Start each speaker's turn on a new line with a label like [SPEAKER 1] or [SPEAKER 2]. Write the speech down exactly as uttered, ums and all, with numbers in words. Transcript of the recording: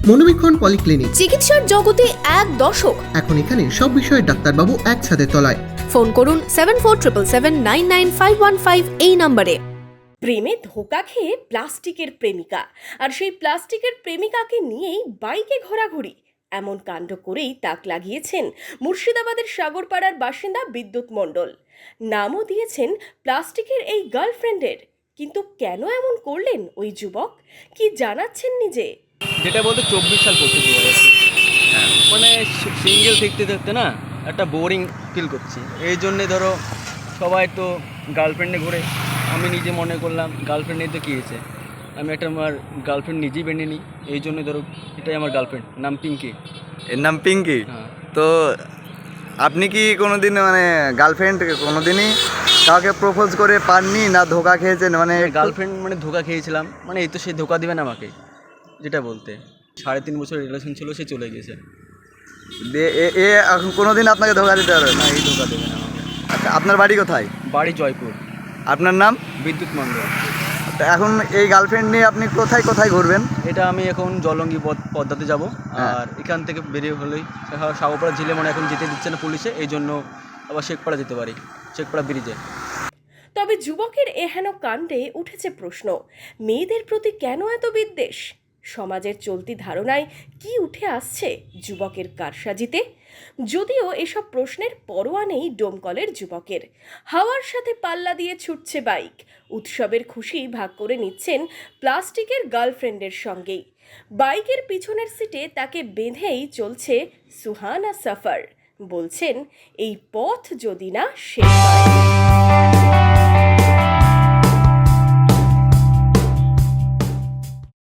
[SPEAKER 1] মনোবীক্ষণ polyclinic,
[SPEAKER 2] চিকিৎসার জগতে এক দশক।
[SPEAKER 1] এখন এখানে সব বিষয়ে ডাক্তারবাবু একসাথে তলায়।
[SPEAKER 2] ফোন করুন seven four triple seven nine nine five one five এই নম্বরে।
[SPEAKER 3] প্রেমে ধোকা খেয়ে প্লাস্টিকের প্রেমিকা, আর সেই প্লাস্টিকের প্রেমিকাকে নিয়েই বাইকে ঘোরাঘুরি, এমন কাণ্ড করেই তাক লাগিয়েছেন মুর্শিদাবাদের সাগরপাড়ার বাসিন্দা বিদ্যুৎ মণ্ডল। নামও দিয়েছেন প্লাস্টিকের এই গার্লফ্রেন্ডের। কিন্তু কেন এমন করলেন ওই যুবক, কি জানাচ্ছেন নিজে?
[SPEAKER 4] যেটা বলতে চব্বিশ সাল পড়তে চলে গেছে, মানে সিঙ্গেল দেখতে দেখতে না একটা বোরিং ফিল করছি। এই জন্যে ধরো সবাই তো গার্লফ্রেন্ডে ঘুরে, আমি নিজে মনে করলাম গার্লফ্রেন্ডে তো কী হয়েছে, আমি একটা আমার গার্লফ্রেন্ড নিজেই বেঁধে নিই। এই জন্য ধরো এটাই আমার গার্লফ্রেন্ড, নাম পিঙ্কি।
[SPEAKER 5] এর নাম পিঙ্কি।
[SPEAKER 4] হ্যাঁ।
[SPEAKER 5] তো আপনি কি কোনোদিন মানে গার্লফ্রেন্ড কোনোদিনই কাউকে প্রপোজ করে পাননি, না ধোকা খেয়েছেন? মানে
[SPEAKER 4] গার্লফ্রেন্ড মানে ধোকা খেয়েছিলাম, মানে এই তো সে ধোকা দেবে না আমাকে, যেটা বলতে সাড়ে তিন বছর রিলেশন ছিল, সে চলে গেছে।
[SPEAKER 5] দে- এ এ এখন কোনোদিন আপনাকে ধোকা দিতে পারবে না?
[SPEAKER 4] না, এই ধোকা দেবে না আমাকে।
[SPEAKER 5] আচ্ছা, আপনার বাড়ি কোথায়?
[SPEAKER 4] বাড়ি জয়পুর।
[SPEAKER 5] আপনার নাম?
[SPEAKER 4] বিদ্যুৎ মণ্ডল।
[SPEAKER 5] তো এখন এই গার্লফ্রেন্ড নিয়ে আপনি কোথায় কোথায় ঘুরবেন?
[SPEAKER 4] এটা আমি এখন জলঙ্গি পদ পদ্মাতে যাব,
[SPEAKER 5] হ্যাঁ।
[SPEAKER 4] আর এখান থেকে বেরিয়ে হলেই সাগরপাড়া ঝিলে মানে এখন যেতে দিচ্ছে না পুলিশে, এই জন্য আবার শেখপাড়া যেতে পারি, শেখপাড়া ব্রিজে।
[SPEAKER 3] তবে যুবকের এহেন কাণ্ডে উঠেছে প্রশ্ন, মেয়েদের প্রতি কেন এত বিদ্বেষ? সমাজের চলতি ধারণায় কি উঠে আসছে যুবকের কারসাজিতে? যদিও এসব প্রশ্নের পরোয়া নেই ডোমকলের যুবকের। হাওয়ার সাথে পাল্লা দিয়ে ছুটছে বাইক, উৎসবের খুশি ভাগ করে নিচ্ছেন প্লাস্টিকের গার্লফ্রেন্ডের সঙ্গেই। বাইকের পিছনের সিটে তাকে বেঁধেই চলছে সুহানা সফর। বলছেন এই পথ যদি না শেষ হয়।